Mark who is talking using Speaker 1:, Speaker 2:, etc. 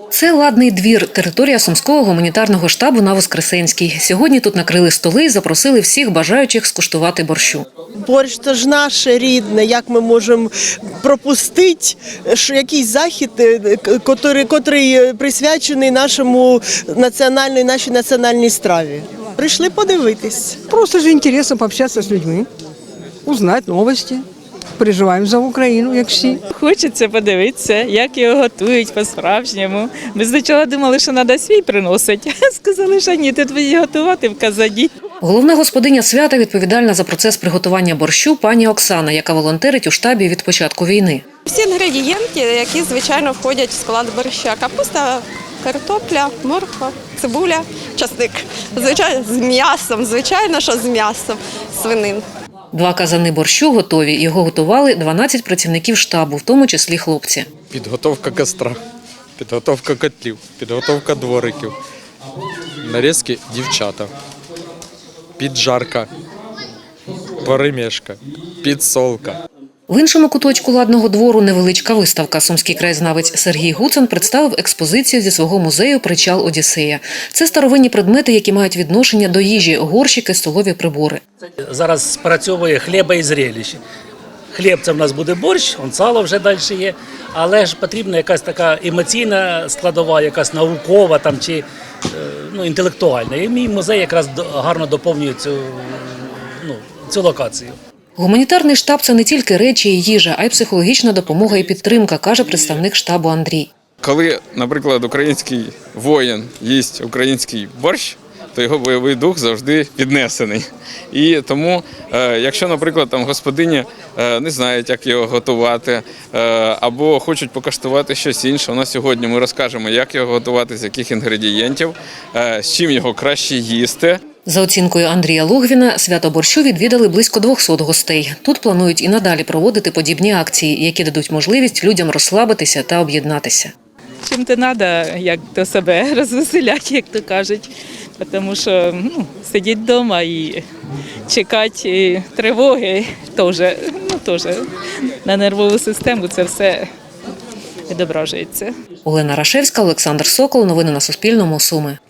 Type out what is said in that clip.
Speaker 1: Це Ладний двір, територія Сумського гуманітарного штабу на Воскресенській. Сьогодні тут накрили столи і запросили всіх бажаючих скуштувати борщу.
Speaker 2: Борщ – це ж наше рідне, як ми можемо пропустити якийсь захід, котрий присвячений нашій національній страві. Прийшли подивитись.
Speaker 3: Просто же интересно пообщаться с людьми, узнать новости. Переживаємо за Україну, як всі.
Speaker 4: Хочеться подивитися, як його готують по-справжньому. Ми спочатку думали, що треба свій приносити. Сказали, що ні, тут будуть готувати в казані.
Speaker 1: Головна господиня свята відповідальна за процес приготування борщу пані Оксана, яка волонтерить у штабі від початку війни.
Speaker 5: Всі інгредієнти, які, звичайно, входять в склад борща. Капуста, картопля, морква, цибуля, часник. Звичайно, з м'ясом, звичайно, що з м'ясом, свинин.
Speaker 1: 2 казани борщу готові. Його готували 12 працівників штабу, в тому числі хлопці.
Speaker 6: Підготовка костра, підготовка котлів, підготовка двориків, нарізки дівчата, піджарка, перемішка, підсолка.
Speaker 1: В іншому куточку Ладного двору невеличка виставка. Сумський краєзнавець Сергій Гуцин представив експозицію зі свого музею «Причал Одіссея». Це старовинні предмети, які мають відношення до їжі, горщики, столові прибори.
Speaker 7: Зараз спрацьовує хліба і зрелищ. Хліб – це в нас буде борщ, сало вже далі є, але ж потрібна якась така емоційна складова, якась наукова там, чи інтелектуальна. І мій музей якраз гарно доповнює цю локацію.
Speaker 1: Гуманітарний штаб – це не тільки речі і їжа, а й психологічна допомога і підтримка, каже представник штабу Андрій.
Speaker 6: Коли, наприклад, український воїн їсть український борщ, то його бойовий дух завжди піднесений. І тому, якщо, наприклад, там господині не знають, як його готувати, або хочуть покуштувати щось інше, у нас сьогодні ми розкажемо, як його готувати, з яких інгредієнтів, з чим його краще їсти.
Speaker 1: За оцінкою Андрія Логвіна, свято борщу відвідали близько 200 гостей. Тут планують і надалі проводити подібні акції, які дадуть можливість людям розслабитися та об'єднатися.
Speaker 4: Чим-то треба, як то себе розвеселяти, як то кажуть. Тому що сидіти вдома і чекати тривоги теж на нервову систему це все відображується.
Speaker 1: Олена Рашевська, Олександр Сокол. Новини на Суспільному. Суми.